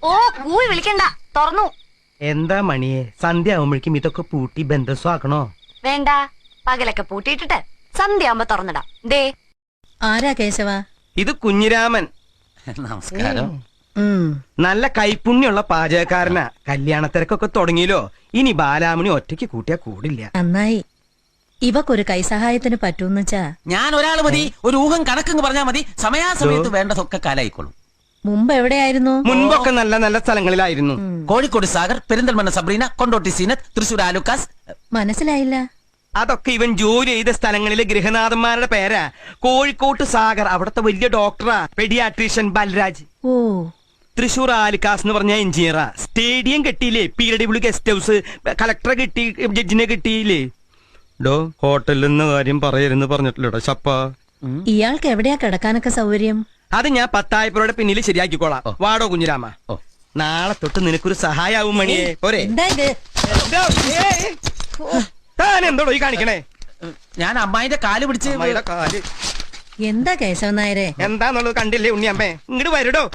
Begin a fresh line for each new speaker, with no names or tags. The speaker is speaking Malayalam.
ഓ കൂവി വിളിക്കണ്ട, തുറന്നു.
എന്താ മണിയെ, സന്ധ്യ ആവുമ്പോഴേക്കും ഇതൊക്കെ പൂട്ടി ബന്ധസ്വാക്കണോ?
വേണ്ട, പകലൊക്കെ പൂട്ടിയിട്ടിട്ട് സന്ധ്യയാകുമ്പോ തുറന്നിടാം. ദേ.
ആരാ കേശവ?
ഇത് കുഞ്ഞിരാമൻ.
നമസ്കാരം.
നല്ല കൈപ്പുണ്യുള്ള പാചകക്കാരനാ. കല്യാണത്തിരക്കൊക്കെ തുടങ്ങിയല്ലോ. ഇനി ബാലാമണി ഒറ്റയ്ക്ക് കൂട്ടിയാ കൂടില്ല.
നന്നായി. ഇവക്കൊരു കൈസഹായത്തിന് പറ്റൂന്നുവെച്ചാ
ഞാൻ ഒരാള് മതി, ഒരു ഊഹം കണക്കെന്ന് പറഞ്ഞാ മതി. സമയാസമയത്ത് വേണ്ടതൊക്കെ കാലായിക്കോളും.
മുമ്പ് എവിടെയായിരുന്നു?
മുൻപൊക്കെ നല്ല നല്ല സ്ഥലങ്ങളിലായിരുന്നു.
കോഴിക്കോട് സാഗർ, പെരിന്തൽമണ്ണ സബ്രീന, കൊണ്ടോട്ടി സീനത്ത്, തൃശൂർ ആലുക്കാസ്.
മനസ്സിലായില്ല.
അതൊക്കെ ഇവൻ ജോലി ചെയ്ത സ്ഥലങ്ങളിലെ ഗൃഹനാഥന്മാരുടെ പേരാ. കോഴിക്കോട്ട് സാഗർ, അവിടത്തെ വലിയ ഡോക്ടറാ, പെഡിയാട്രീഷ്യൻ ബൽരാജ്.
ഓ.
തൃശൂർ ആലിക്കാസ് എന്ന് പറഞ്ഞ എഞ്ചിനീയറാ. സ്റ്റേഡിയം കെട്ടിയില്ലേ, PW ഗസ്റ്റ് ഹൗസ്, കളക്ടറെ കിട്ടി, ജഡ്ജിനെ കിട്ടിയില്ലേ. ഡോ ഹോട്ടലിൽ നിന്ന് കാര്യം പറയരുന്ന് പറഞ്ഞിട്ടില്ലടോ ചപ്പ.
ഇയാൾക്ക് എവിടെയാ കിടക്കാനൊക്കെ സൗകര്യം?
അത് ഞാൻ 10,000 പിന്നിൽ ശരിയാക്കിക്കോളാം. വാടോ കുഞ്ഞിരാമ. നാളെ തൊട്ട് നിനക്കൊരു സഹായാവും മണിയെ. പോരെ?
എന്താ ഇത്?
താൻ എന്തോടോ ഈ കാണിക്കണേ?
ഞാൻ അമ്മായിന്റെ കാല് പിടിച്ച്
അമ്മായിയുടെ കാല്
എന്താ കേശവൻ നായരെ?
എന്താന്നുള്ളത് കണ്ടില്ലേ ഉണ്ണിയമ്മേ? ഇങ്ങോട്ട് വരടോ.